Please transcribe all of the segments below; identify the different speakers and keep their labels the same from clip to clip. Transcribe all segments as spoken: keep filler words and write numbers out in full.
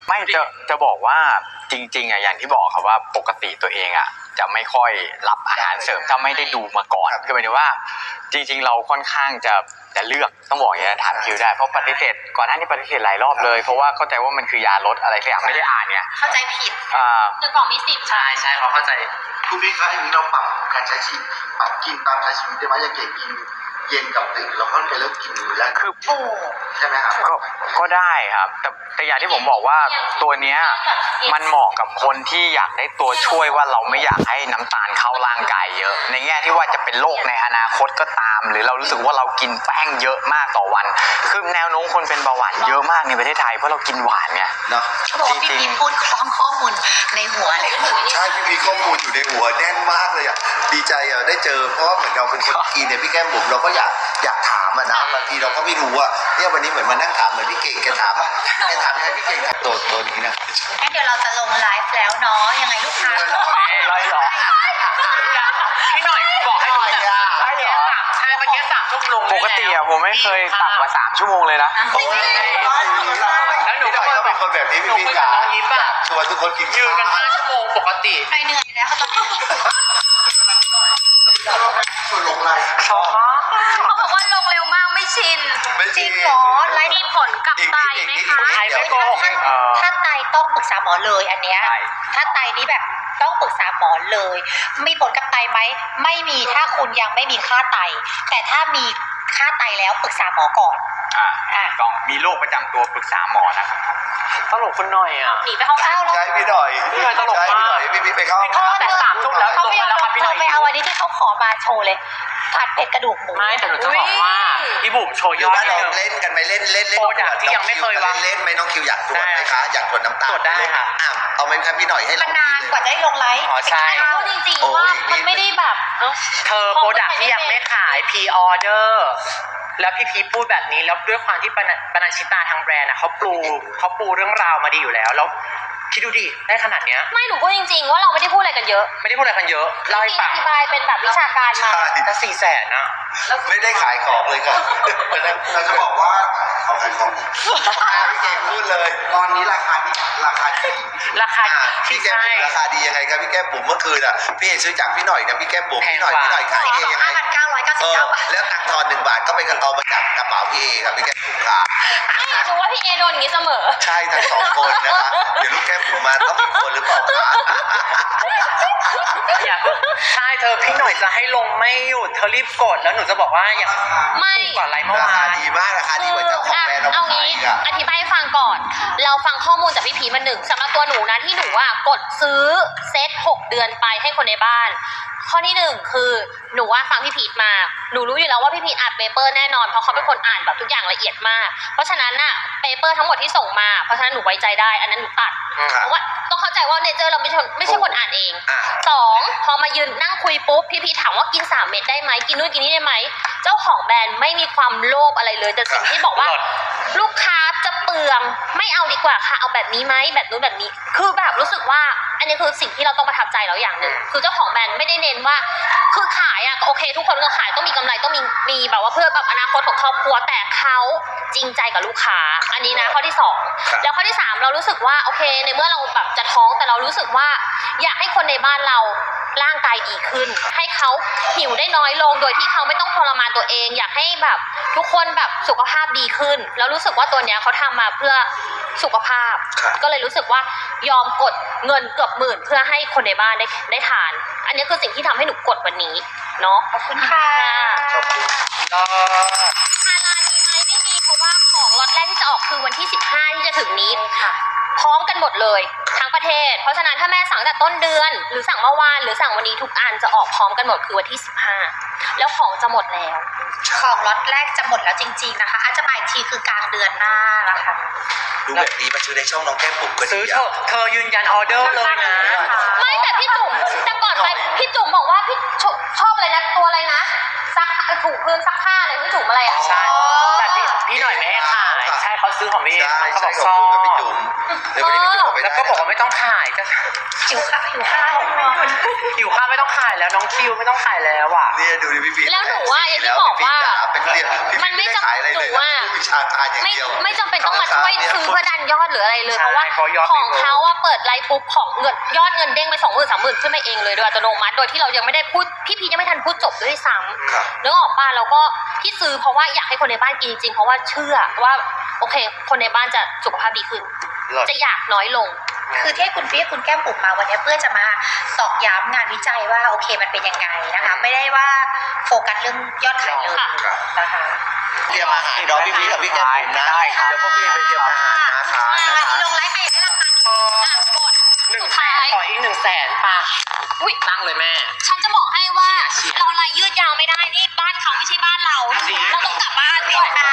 Speaker 1: ไม่จะจะบอกว่าจริงๆอ่ะอย่างที่บอกครับว่าปกติตัวเองอ่ะจะไม่ค่อยรับอาหารเสริมถ้าไม่ได้ดูมาก่อนคือหมายถึงว่าจริงๆเราค่อนข้างจะจะเลือกต้องบอกอย่างนี้ถามคิวได้เพราะปฏิเสธก่อนหน้านี้ปฏิเสธหลายรอบเลยเพราะว่าเข้าใจว่ามันคือยาลดอะไรสักอย่างไม่ได้อ่านเนี่ย
Speaker 2: เข้าใจผิด
Speaker 1: อ่า
Speaker 2: หนึ่งกล่องมีสิบ
Speaker 3: ใช่ใช่เขาเข้าใจ
Speaker 4: คุณพี่คะอย่างนี้เราปรับการใช้ชีวิตปรับกินตามใช้ชีวิตได้ไหมอย่างเก่งกินเย็นกับตื่นเราก็ไปเริ่มกินอยู่แล้ว
Speaker 1: คือ
Speaker 4: ใช่ไหมครับ
Speaker 1: ก็ก็ได้ครับแต่แต่อย่างที่ผมบอกว่าตัวเนี้ยมันเหมาะกับคนที่อยากได้ตัวช่วยว่าเราไม่อยากให้น้ำตาลเข้าร่างกายเยอะในแง่ที่ว่าจะเป็นโรคในอนาคตก็ตามหรือเรารู้สึกว่าเรากินแป้งเยอะมากต่อวันคือแนวโน้มคนเป็นเบาหวานเยอะมากในประเทศไทยเพราะเรากินหวานไง
Speaker 4: เนาะ
Speaker 2: จริงจริงพูดคล้องข้อมูลในหัวเลย
Speaker 4: ใช่พี่พีข้อมูลอยู่ในหัวแน่นมากเลยอ่ะดีใจอ่ะได้เจอเพราะว่าเหมือนเราเป็นคนกินเนี่ยพี่แก้มบุ๋มเราก็อยากอยากถามอ่ะนะบางทีเราก็ไม่รู้ว่าเนี่ยวันนี้เหมือนมานั่งถามเหมือนพี่เก่งแกถามแกถามยังไงพี่เก่งตัวตัวนี้นะ
Speaker 2: งั้นเดี๋ยวเราจะลงไลฟ์แล้วเนาะยังไงลูกค้า
Speaker 1: ร้อยหรอ
Speaker 3: พี่หน่อยบอกให้หน่อยอ่ะใช่เหรอใช่เมื่อกี้สามชั่วโมง
Speaker 1: ปกติอ่ะผมไม่เคยต่ำกว่าสามชั่วโมงเลยนะ
Speaker 3: แล้วหนูก็
Speaker 4: เป็นคนแบบนี้พี่พี่จ๋าชวนทุกคนกิน
Speaker 3: ยืนกันห้าชั่วโมงปกติ
Speaker 2: ใครเหนื่อยแล้วเขาต้อง
Speaker 4: ชวนลงไลน์
Speaker 2: เขาบอกว่าลงเร็วมากไม่ชินจริงเหรอไลฟ์มีผลกับไตไหมคะ
Speaker 3: ไตไม่โกหก
Speaker 2: ถ้าไตต้องปรึกษาหมอเลยอันเนี้ยถ้าไตนี้แบบต้องปรึกษาหมอเลยมีผลกับไตไหมไม่มีถ้าคุณยังไม่มีค่าไตแต่ถ้ามีค่าไตแล้วปรึกษาหมอก่อน
Speaker 1: อ่าต้องมีโรคประจำตัวปรึกษาหมอนะครับ
Speaker 3: ตลกคุณหน่อยอ่ะ
Speaker 2: หนีไปห้องอ้าวแล้ว
Speaker 4: ใช่พี่หน่อย
Speaker 3: พี่หน่อยตลกมาก
Speaker 4: พี่พี่ไปเข้า
Speaker 3: แต่สามทุ่มแล้ว
Speaker 2: เขาไม่ยอมเธอไปเอาวันนี้ที่เขาขอมาโชว์เลยผัดเผ็ดกระดูกหมู
Speaker 3: ไม่แต่หนูจะบอกว่าพี่บุ๋มโชว์ยอด
Speaker 4: เราเล่นกันไหมเล่นเล่นเล่น
Speaker 3: โปรดักที่ยังไม่เคยวาง
Speaker 4: เล่นไหมน้องคิวอยากตรวจไหมคะอยากตรวจน้ำตาล
Speaker 3: ตรวจได้ค่ะ
Speaker 4: อ่ะเอาไหมครับพี่หน่อยให้เรา
Speaker 2: นานกว่าได้ลงไลฟ์
Speaker 3: อ๋อใช่
Speaker 2: พูดจริงๆว่ามันไม่ได้แบบ
Speaker 3: เธอโปรดักที่ยังไม่ขายพรีออเดอร์แล้วพี่พีพูดแบบนี้แล้วด้วยความที่ปนัญชิตาทางแบรนด์อ่ะเขาปูเขาปูเรื่องราวมาดีอยู่แล้วแล้วคิดดูดิได้ขนาดเนี้ย
Speaker 2: ไม่หนูพูดจริงๆว่าเราไม่ได้พูดอะไรกันเยอะ
Speaker 3: ไม่ได้พูดอะไรกันเยอะเล่าให้ฟัง
Speaker 2: อธิบายเป็นแบบวิชาการมา
Speaker 3: จะสี่แสนนะ
Speaker 4: ไม่ได้ขายของเลยค่ะเราจะบอกว่าเขาขายของพี่เก่งพูดเลยตอนนี้ราคาที่ราคาดี
Speaker 3: ราคา
Speaker 4: พี่แก้มบุ๋มราคาดียังไงครับพี่แก้มบุ๋มเมื่อคืนอ่ะพี่เอซื้อจากพี่หน่อยนะพี่แก้มบุ๋มพี่หน่อยพี่หน่อยขายเองยังไง
Speaker 2: เก้าร้อยเก้าสิบเก้าบาท
Speaker 4: แล้วตังค์ทอนหนึ่งบาทก็ไปกันเอามาจากกระเป๋าพี่เอครับพี่แก้มบุ๋มค่ะ
Speaker 2: ไม่หนูว่าพี่เอโดนอย่างนี้เสมอ
Speaker 4: ใช่ทั้งสองคนนะคะเดี๋ยวลูกแก้มบุ๋มมาต้องมีคนหรือเปล่าคะ
Speaker 3: ใช่เธอพี่หน่อยจะให้ลงไม่หยุดเธอรีบกดแล้วหนูจะบอกว่าอย่าง
Speaker 2: ไม่
Speaker 3: กว่าไรเมื่อวาน
Speaker 4: ราคาดีมากราคาดีกว่าเจ้าของแบรนด์
Speaker 2: เอางี้อธิบายให้ฟังก่อนเราฟังข้อมูลจากพี่พีมาหนึ่งสำหรับตัวหนูนะที่หนูว่ากดซื้อเซตหกเดือนไปให้คนในบ้านข้อที่หนึ่งคือหนูว่าฟังพี่พีทมาหนูรู้อยู่แล้วว่าพี่พีทอ่านเปเปอร์แน่นอนเพราะเขาเป็นคนอ่านแบบทุกอย่างละเอียดมากเพราะฉะนั้นน่ะเปเปอร์ทั้งหมดที่ส่งมาเพราะฉะนั้นหนูไว้ใจได้อันนั้นหนูตัดเพราะว่าต้องเข้าใจว่าเนเจอร์เราไม่ใช่ไม่ใช่คนอ่านเองสองพอมายืนนั่งคุยปุ๊บพี่พีทถามว่ากินสามเม็ดได้ไหมกินนู่นกินนี่ได้ไหมเจ้าของแบรนด์ไม่มีความโลภอะไรเลยแต่สิ่งที่บอกว่าลูกค้าจะเปลืองไม่เอาดีกว่าค่ะเอาแบบนี้ไหมแบบนู้นแบบนี้คือแบบรู้สึกว่าอันนี้คือสิ่งที่เราต้องประทับใจแล้วอย่างหนึ่งคือเจ้าของแบรนด์ไม่ได้เน้นว่าคือขายอะโอเคทุกคนก็ขายต้องมีกำไรต้องมีมีแบบว่าเพื่อแบบอนาคตของครอบครัวแต่เขาจริงใจกับลูกค้าอันนี้นะข้อที่สองแล้วข้อที่สามเรารู้สึกว่าโอเคในเมื่อเราแบบจะท้องแต่เรารู้สึกว่าอยากให้คนในบ้านเราร่างกายดีขึ้นให้เขาหิวได้น้อยลงโดยที่เขาไม่ต้องทรมานตัวเองอยากให้แบบทุกคนแบบสุขภาพดีขึ้นแล้วรู้สึกว่าตัวเนี้ยเขาทำมาเพื่อสุขภาพก็เลยรู้สึกว่ายอมกดเงินเกือบหมื่นเพื่อให้คนในบ้านได้ได้ทานอันนี้คือสิ่งที่ทำให้หนูกดวันนี้เนาะขอบคุณค่ะ
Speaker 4: ขอบคุณ
Speaker 2: ฮาลาลมีไหมไม่มีเพราะว่าของล็อตแรกที่จะออกคือวันที่สิบห้าที่จะถึงนี้พร้อมกันหมดเลยทั้งประเทศเพราะฉะนั้นถ้าแม่สั่งแต่ต้นเดือนหรือสั่งเมื่อวานหรือสั่งวันนี้ทุกอันจะออกพร้อมกันหมดคือวันที่สิบห้าแล้วของจะหมดแล้วของล็อตแรกจะหมดแล้วจริงๆนะคะอาจจะมาอีกทีคือกลางเดือนหน้านะคะ
Speaker 4: ดูแบบนี้มาซื้อในช่องน้องแก้มบุ๋มก็ดี
Speaker 3: ซื้อเธอเธอยืนยันออเดอร์เลยนะ
Speaker 2: ไม่แต่พี่จุ๋มแต่ก่อนไปพี่จุ๋มบอกว่าพี่ชอบอะไรนะตัวอะไรนะซักถูพื้นซักผ้าอะไรพี่จุ๋มอะไรอ่ะ
Speaker 3: ใช่แต่พี่พี่หน่อยไม่ให้ขายใช่เขาซื้อของพี่เขาบอกชอบ
Speaker 4: มเดี๋ยววันนี้พี่บอกไม่ได้
Speaker 3: แล้วก็บอกว่าไม่ต้องขายจะ
Speaker 2: หิวข้าวหิวข้าว
Speaker 3: หิวข้าวไม่ต้องขายแล้วน้องคิวไม่ต้องขายแล้วอ่ะ
Speaker 4: เนี่ยดูดิพี่พีช
Speaker 2: แล้วหนูว่าอย่างที่บอกว่า
Speaker 4: เป็นเรียนพี่
Speaker 2: มันไม่
Speaker 4: พีช
Speaker 2: จำ
Speaker 4: ขายอะไร
Speaker 2: หนู
Speaker 4: เลย
Speaker 2: ว่า
Speaker 4: วิชาการอย่าง
Speaker 2: ไม่
Speaker 4: เดียว
Speaker 2: ไม่จำเป็นต้องมาช่วยซื้อเพื่อดันยอดหรืออะไรเลย
Speaker 3: ใช่
Speaker 2: เพราะว่า
Speaker 3: เพราะยอด
Speaker 2: ของ
Speaker 3: ไม่
Speaker 2: เขาว่าเปิดไลฟ์ปุ๊บของเงินยอดเงินเด้งไปสองหมื่นสามหมื่นขึ้นมาเองเลยโดยอัตโนมัติโดยที่เรายังไม่ได้พูดพี่พียังไม่ทันพูดจบด้วยซ้
Speaker 4: ครับ
Speaker 2: ำนึกออกป่ะเราก็ที่ซื้อเพราะว่าอยากให้คนในบ้านกินจริงๆเพราะว่าเชื่อว่าโอเค คนในบ้านจะสุขภาพดีขึ้น
Speaker 4: เลิศ
Speaker 2: จะอยากน้อยลง
Speaker 5: คือที่คุณพี่คุณแก้มบุ๋มมาวันนี้เพื่อจะมาตอกย้ำงานวิจัยว่าโอเคมันเป็นยังไงนะคะ ไม่ได้ว่าโฟกัสเรื่องยอดขายเลย
Speaker 2: ค่ะ
Speaker 5: นะคะ
Speaker 4: เตรียมอาหารเนาะพี่พีชกับพี่แก้มบุ๋มนะ
Speaker 1: ได้ครับ
Speaker 4: เดี๋ยวพวกพี่ไปเตรียมอาหารนะคะ
Speaker 5: อ่าลงไลฟ์ใครอยากได้ราคาดีอ่ะกด
Speaker 3: หนึ่งแสนขออีกหนึ่งแสนป่ะ
Speaker 2: อุ๊ย
Speaker 3: ตั้งเลยแม่
Speaker 2: ฉันจะบอกให้ว่า
Speaker 3: เชียร์
Speaker 2: เราลายยืดยาวไม่ได้นี่บ้านเขาไม่ใช่บ้านเรา
Speaker 3: จริง
Speaker 2: เราต้องกลับบ้านด้วยนะ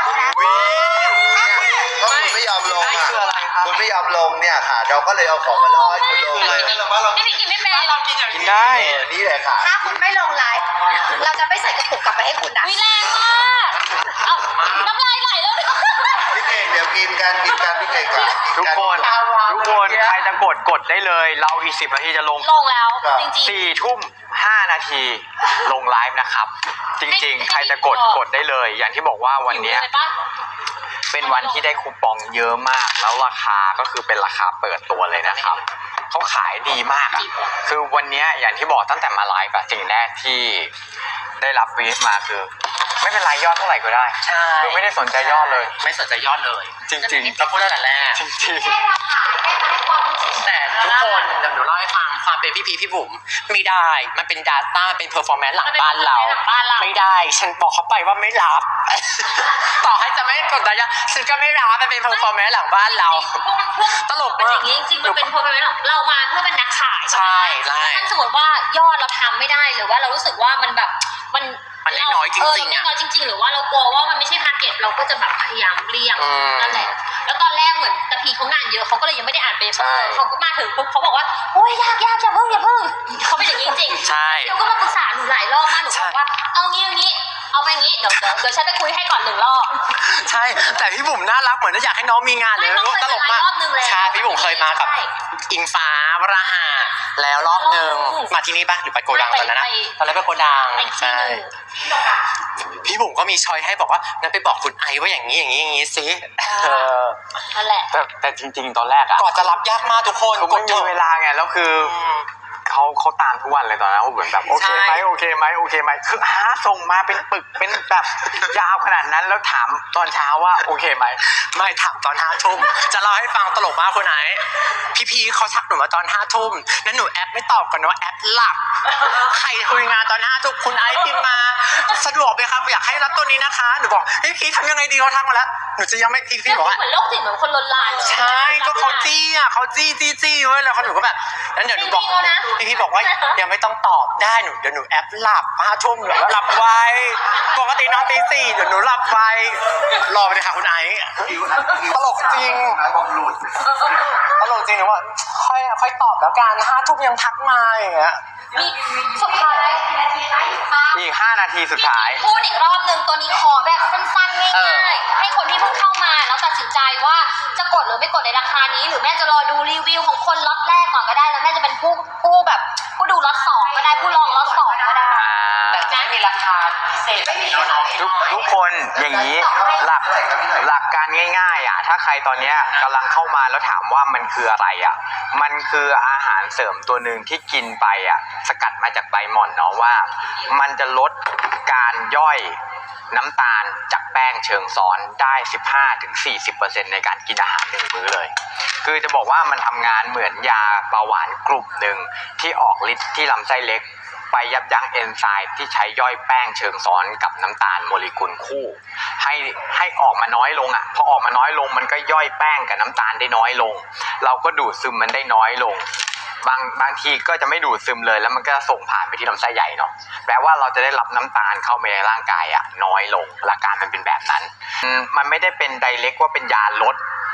Speaker 4: ก็คุณไม่ยอมลง
Speaker 3: ไอ้
Speaker 4: อ่ะ
Speaker 3: คืออะไรครับ
Speaker 4: คุณไม่ยอมลงเนี่ยค่ะ เราก็เลยเอาของมาล่อให้คุณลงเลย
Speaker 2: พี่พี่กินไม่เป็น
Speaker 3: เรากินอย่าง
Speaker 1: กิน
Speaker 3: นี้
Speaker 1: ได้
Speaker 4: เออนี่แหละค่ะ
Speaker 5: ถ้าคุณไม่ลงไลฟ์เราจะไม่ใส่กระปุกกลับไปให้คุณนะ
Speaker 2: วิแรงมากเอาน้ำลายไหลแล้วเนี่ย
Speaker 4: พี่เก่งเดี๋ยวกินกันกินกันพี่เก่งกัน
Speaker 1: ทุกคนทุกคนใครจะกดกดได้เลย เราอีกสิบนาทีจะลง
Speaker 2: ลงแล้วจริง
Speaker 1: สี่ทุ่มห้านาทีลงไลฟ์นะครับ จริงๆ ใครจะกดกดได้เลย อย่างที่บอกว่า
Speaker 2: ๆ
Speaker 1: วันเนี้ย
Speaker 2: หิเลยปะ
Speaker 1: เป็นวันที่ได้คูปองเยอะมาก แล้วราคาก็คือเป็นราคาเปิดตัวเลยนะครับเขาขายดีมากอะคือวันเนี้ยอย่างที่บอกตั้งแต่มาไลฟ์อะสิ่งแรกที่ได้รับวีฟมาคือ ไม่เป็นไรยอดเท่าไหร่ก็ได้
Speaker 3: ใช่
Speaker 1: คือไม่ได้สนใจยอดเลย
Speaker 3: ไม่สนใจยอดเลย
Speaker 1: จริงๆ
Speaker 3: เราพูดตั้งแต่แรก
Speaker 1: จริง
Speaker 5: แค่ราคาแค่ให้ความรู้สึก
Speaker 3: แต่ทุกคนเดี๋ยวหนูเล่าให้ฟังความเป็นพี่พีพี่บุ๋มไม่ได้ มันเป็น Data มันเป็น Performance หลังบ้านเรา
Speaker 2: หลังบ้านเรา
Speaker 3: ไม่ได้ ฉันบอกเขาไปว่าไม่รับ ต่อให้จะไม่กดดันยังฉันก็ไม่รับมันเป็น Performance หลังบ้านเรา
Speaker 2: พวกมันพวก
Speaker 3: ตลก
Speaker 2: เป็น
Speaker 3: มา
Speaker 2: อก ย่างนี้จริงๆมันเป็นเพราะเป็นเรามาเพื่อเป็นนักขาย
Speaker 3: ใช่ใช่
Speaker 2: ถ้าสมมติว่ายอดเราทำไม่ได้หรือว่าเรารู้สึกว่ามันแบบมัน
Speaker 3: มันน้อยๆจริงๆ
Speaker 2: เออ
Speaker 3: อะ
Speaker 2: มันน้อยจริง ๆ หรือว่าเรากลัวว่ามันไม่ใช่ทาร์เก็ตเราก็จะแบบพยายามเลี่ยง
Speaker 3: อืม
Speaker 2: นั่นแหละแล้วตอนแรกเหมือนตะพีเขางานเยอะเขาก็เลยยังไม่ได้อ่านเปเป
Speaker 3: ใช่
Speaker 2: อร์เขาก็มาถึงปุ๊บเขาบอกว่าโอ้ยยากยากอย่าเพิ่งอย่าเพิ่งเขาเป็นอย่างนี้จริงๆ
Speaker 3: ใช่
Speaker 2: เดี๋ยวก็มาปรึกษาหนูหลายรอบมากหนู
Speaker 3: ใช่
Speaker 2: บอกว่าเอางี้เอางี้เอาไปงี้เดี๋ยวเดี๋ยวเดี๋ยวฉันไปคุยให้ก่อนหนึ่งรอบ
Speaker 3: ใช่ แต่พี่บุ๋มน่ารักเหมือนจะอยากให้น้องมีงานเลย
Speaker 2: ไม่น้องเคย
Speaker 3: ตลกมาก
Speaker 2: มารอบนึงแล้ว
Speaker 3: ใช่พี่บุ๋มเคยมากับ
Speaker 2: ใช่
Speaker 3: อิงฟ้าวราหะแล้วรอบหนึ่ง
Speaker 2: อืม
Speaker 3: มาที่นี่ปะหรือไปโกดัง
Speaker 2: ไป
Speaker 3: ตอนนั้นนะ
Speaker 2: ไป
Speaker 3: ตอนนั้นไปโกดัง
Speaker 2: ไปอีกที่
Speaker 3: ใช่
Speaker 2: หนึ่ง
Speaker 3: พี่บุ๋มก็มีชอยให้บอกว่างั้นไปบอกคุณไอว่าอย่างนี้อย่างนี้อย่างนี้สิเออ
Speaker 2: นั่นแหละ
Speaker 1: ๆแต่แต่จริง ๆ ตอนแรกอะ
Speaker 3: ก่อนจะรับยากมากทุกคน
Speaker 1: คือไม่มีเวลาไงแล้วคือ
Speaker 3: อืม
Speaker 1: เขาเขาตามทุกวันเลยตอนนั้นเหมือนแบบโอเคไหม
Speaker 3: ใช่
Speaker 1: โอเคไหมโอเคไหมคือหาส่งมาเป็นปึกเป็นแบบยาวขนาดนั้นแล้วถามตอนเช้าว่าโอเคไหม
Speaker 3: ไม่ถามตอนห้าทุ่มจะเล่าให้ฟังตลกมากคุณไอพี่พีเขาทักหนูมาตอนห้าทุ่มนั้นหนูแอปไม่ตอบก่อนนะว่าแอปหลับใครคุยงานตอนห้าทุ่มคุณไอพิมพ์มาสะดวกไหมครับอยากให้รับตัวนี้นะคะหนูบอกเฮ้ยพี่ทำยังไงดีเขาทักมาแล้วหนูจะยังไม่พี่พี่บอกว่า
Speaker 2: เหมือนโรคจิตเหมือนคนลนลานเลย
Speaker 3: ใช่ก็เขาจี้อ่ะเขาจี้จี้จี้เว้ยแล้วเขาหนูก็แบบนั้นเดี๋ยวหนูบอก
Speaker 2: จริงๆแล้วนะ
Speaker 3: พี่พี่บอกว่ายังไม่ต้องตอบได้หนูเดี๋ยวหนูแอปหลับห้าทุ่มเดี๋ยวหลับไวปกตินอนตีสี่เดี๋ยวหนูหลับไวรอไปเลยค่ะคุณไอซ์ ตลกจริง
Speaker 4: บอกหลุด
Speaker 3: ตลกจริงหนูว่าค่อยค่อยตอบแล้วกันห้าทุ่มยังทักมาอย่างเงี้ย
Speaker 2: มีสุดท้าย
Speaker 1: อีกห้านาทีสุดท้าย
Speaker 2: พูดอีกรอบหนึ่งตัวนี้ขอแบบสั้นๆง่
Speaker 3: เออ
Speaker 2: ายๆให้คนที่เพิ่งเข้ามาแล้วตัดสินใจว่าจะกดหรือไม่กดในราคานี้ หรือแม่จะรอดูรีวิวของคนล็อตแรกก่อนก็ได้แล้วแม่จะเป็นผู้ผู้แบบผู้ดูล็อตสองก็ได้ผู้ลองล็อตสองก็ได้
Speaker 3: แต่จะไม่มีราคาพิเศษแบบนี้แล้วเนาะ
Speaker 1: ทุกทุกคนอย่างนี้หลักหลักการง่ายๆอ่ะถ้าใครตอนเนี้ยกำลังเข้ามาแล้วถามว่ามันคืออะไรอ่ะมันคืออาหารเสริมตัวหนึ่งที่กินไปอ่ะสกัดมาจากใบหม่อนเนาะว่ามันจะลดการย่อยน้ำตาลจากแป้งเชิงซ้อนได้ สิบห้าถึงสี่สิบเปอร์เซ็นต์ ในการกินอาหารหนึ่งมื้อเลยคือจะบอกว่ามันทำงานเหมือนยาเบาหวานกลุ่มหนึ่งที่ออกฤทธิ์ที่ลำไส้เล็กไปยับยั้งเอนไซม์ที่ใช้ย่อยแป้งเชิงซ้อนกับน้ำตาลโมเลกุลคู่ให้ให้ออกมาน้อยลงอ่ะพอออกมาน้อยลงมันก็ย่อยแป้งกับน้ำตาลได้น้อยลงเราก็ดูดซึมมันได้น้อยลงบางบางทีก็จะไม่ดูดซึมเลยแล้วมันก็ส่งผ่านไปที่ลำไส้ใหญ่เนาะแปลว่าเราจะได้รับน้ำตาลเข้าไปในร่างกายอ่ะน้อยลงหลักการมันเป็นแบบนั้นอืมมันไม่ได้เป็นไดเรกว่าเป็นยาลด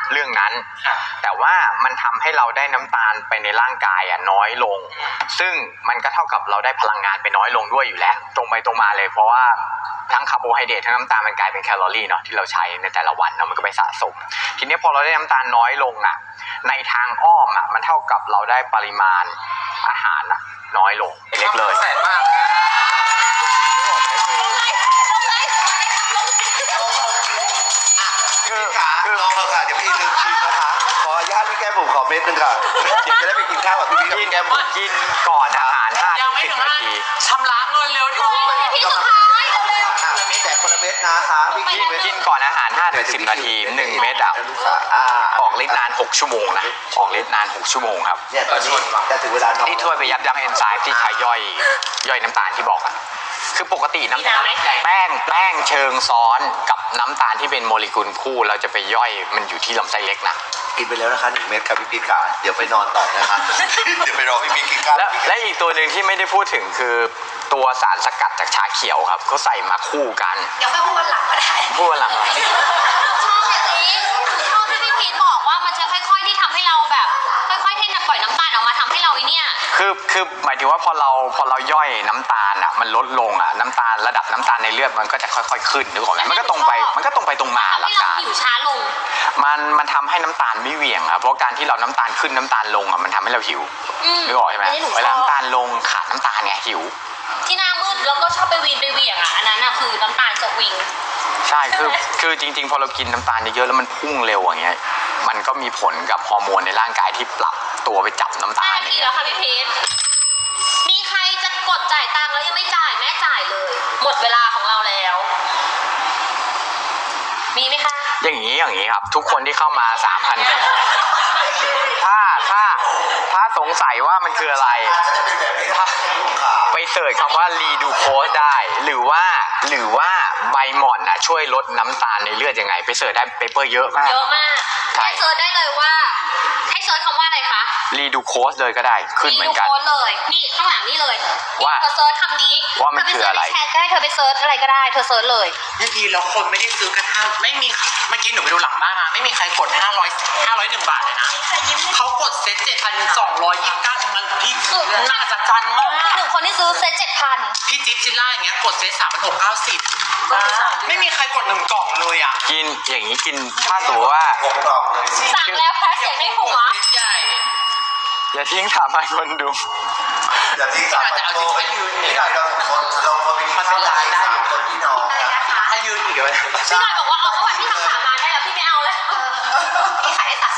Speaker 1: เรื่องนั้น
Speaker 3: ค่ะ
Speaker 1: แต่ว่ามันทำให้เราได้น้ำตาลไปในร่างกายอ่ะน้อยลง ซึ่งมันก็เท่ากับเราได้พลังงานไปน้อยลงด้วยอยู่แล้ว ตรงไปตรงมาเลยเพราะว่าทั้งคาร์โบไฮเดรตทั้งน้ำตาลมันกลายเป็นแคลอรี่เนาะที่เราใช้ในแต่ละวันเนาะมันก็ไปสะสม ทีนี้พอเราได้น้ำตาลน้อยลงอ่ะในทางอ้อมอ่ะมันเท่ากับเราได้ปริมาณอาหารอ่ะน้อยลงเล็กเลย
Speaker 3: แสนมาก
Speaker 4: คือคือลองเลยค่ะเดี๋ยวพี่ลืมชิมนะคะ ขออนุญาตพี่แก้มผมขอเม็ดนึงค่ะ เดี๋ยวจะได้ไปกินข้าวกับพี่พี่กับ
Speaker 1: กิน
Speaker 4: พี่แก้มผม
Speaker 1: กินก่อนอาหารห้า
Speaker 3: ยั
Speaker 1: ถึ
Speaker 3: ง
Speaker 1: ง
Speaker 3: ไม่
Speaker 1: สิบ
Speaker 3: ถึง
Speaker 1: นาที
Speaker 3: ชำระเงินเร็วดิ
Speaker 2: พี่สุดท้ายเร็ว
Speaker 4: อ่ะแจกคนละเม็ดนะคะพี่
Speaker 1: กิ
Speaker 4: กิ
Speaker 1: น
Speaker 4: นเม็ด
Speaker 1: กินก่อนอาหารห้าถึงสิบนาทีหนึ่งเม็ดอ่ะ
Speaker 4: ลูกค้าอ่า
Speaker 1: ออกฤทธิ์นานหกชั่วโมงนะออกฤทธิ์นานหกชั่วโมงครับ
Speaker 4: เนี่ยตอนนี้จะถึงเวลานอน
Speaker 1: ที่ช่วยไปยับยั้งเอนไซม์ที่ใช้ย่อยย่อยน้ำตาลที่บอกอะคือปกติน้ำตาลแป้งแป้งเชิงซ้อนกับน้ำตาลที่เป็นโมเลกุลคู่เราจะไปย่อยมันอยู่ที่ลำไส้เล็กนะ
Speaker 4: กินไปแล้วนะคะหนึ่งเม็ดครับพี่พีขาเดี๋ยวไปนอนต่อนะคะ เดี๋ยวไปรอพี่พีกินข้าว
Speaker 1: และและอีกตัวหนึ่งที่ไม่ได้พูดถึงคือตัวสารสกัดจากชาเขียวครับเขาใส่มาคู่กัน
Speaker 5: เดี๋ยวค่อยพูดวันหลังก็ได้
Speaker 1: พูดวันหลัง
Speaker 2: ๆชอบอย่างนี้ชอบที่พี่พีทบอกว่ามันจะค่อยๆที่ทำให้เราแบบ ค่อยๆที่จะปล่อยน้ำตาลออกมาทำให้เราไอ้เนี่ย
Speaker 1: คือคือหมายถึงว่าพอเราพอเราย่อยน้ำตาลอ่ะมันลดลงอ่ะน้ำตาลระดับน้ำตาลในเลือดมันก็จะค่อยๆขึ้นนึกออกไหมมันก็ตรงไปมันก็ตรงไปตรงมาห
Speaker 2: ทำ
Speaker 1: ลั
Speaker 2: ให้
Speaker 1: ก
Speaker 2: เรา
Speaker 1: การ
Speaker 2: หิวช้าลง
Speaker 1: มันมันทำให้น้ำตาลไม่เหวี่ยงครับเพราะการที่เราน้ำตาลขึ้นน้ำตาลลงอ่ะมันทำให้เราหิว
Speaker 2: อืม
Speaker 1: นึกออกใช่ไหม
Speaker 2: อันนี้หนูชอบ
Speaker 1: เวลาน้ำตาลลงขาดน้ำตาลไงหิว
Speaker 2: ที่หน้ามืดแล้วก็ชอบไปวีนไปเหวี่ยงอ่ะอันนั้นอ่ะคือน้ำตาลสวิง
Speaker 1: ใช่คือ
Speaker 2: ใช่ไหม
Speaker 1: คือจริงๆพอเรากินน้ำตาลเยอะๆแล้วมันพุ่งเร็วอย่างเงี้ยมันก็มีผลกับฮอร์โมนในร่างกายที่ปรับตัวไปจับน้ำตา
Speaker 2: ห้า
Speaker 1: ล
Speaker 2: นาทีแล้วค่ะพี่พีทมีใครจะกดจ่ายตังค์แล้วยังไม่จ่ายแม่จ่ายเลย หมดเวลาของเราแล้ว มีไหมคะ
Speaker 1: อย่างนี้อย่างนี้ครับ ทุกคนที่เข้ามาสามพันถ้าถ้าถ้าสงสัยว่ามันคืออะไร
Speaker 4: อาจจะเป็นแบบนี้นะลูกค้า
Speaker 1: ไปเสิร์ชคำว่ารีดูโคสได้ หรือว่าหรือว่าใบหม่อนน่ะช่วยลดน้ำตาลในเลือดยังไง ไปเสิร์ชได้เปเปอร์เยอะมาก
Speaker 2: เยอะมาก
Speaker 1: ใช่
Speaker 2: ให้เซิร์ชได้เลยว่า ให้เซิร์ชคำว่าอะไรคะ
Speaker 1: รีดูโคสเลยก็ได้ขึ้นเหมือนกัน
Speaker 2: รีดูโค้ดเลย นี่ข้างหลังนี่เลย
Speaker 1: ว่า
Speaker 2: เธอเซิร์ชคำนี้
Speaker 1: ว่ามันคืออะไร
Speaker 2: เธไปเซิร์ชในแชทก็ได้เธอไปเซิร์ชอะไรก็ได้เธอเซิร์ชเลย
Speaker 3: พี่พีแล้วคนไม่ได้ซื้อกันห้าไม่มีเมื่อกี้หนูไปดูหลังบ้านมาไม่มีใครกดห้าร้อยห้าร้อยหนึ่งบาทเลยนะเขากดเซ็ตเจ็ดพันสองร้อยยี่สิบเก้าทั้งนั้นพี่น่าจะจันมาก
Speaker 2: คือหนึ่งคนที่ซื้อเซ็ตเจ็ดพัน
Speaker 3: พี่จิ๊บซิลล่าอย่างเงี้ยกดเซ็ตสามพันหกเก้าสิบไม่มีใครกดหนึ่งกล่องเลยอ่ะ
Speaker 1: กินอย่างนี้กินถ้าสมมติว่า
Speaker 4: ผมตอบเลย
Speaker 2: สั่งแล้วแพ้เสียงในหัว
Speaker 3: เซ็ตใหญ่
Speaker 1: อย่าทิ้งถามให้คนดู
Speaker 4: อย่าทิ้งสามพันโลไปยืนนี่ได้เราคนเราคนไปกินข้าวได้อยู่คนที่นอน
Speaker 5: อะไรนะคะ
Speaker 3: ถ้ายืนอีกเลย
Speaker 2: พี่หน่อยบอกว่าเอาเมื่อวานพี่ทำสามมาได้แล้วพี่ไม่เอาเลย
Speaker 5: พี่ขายได้สาม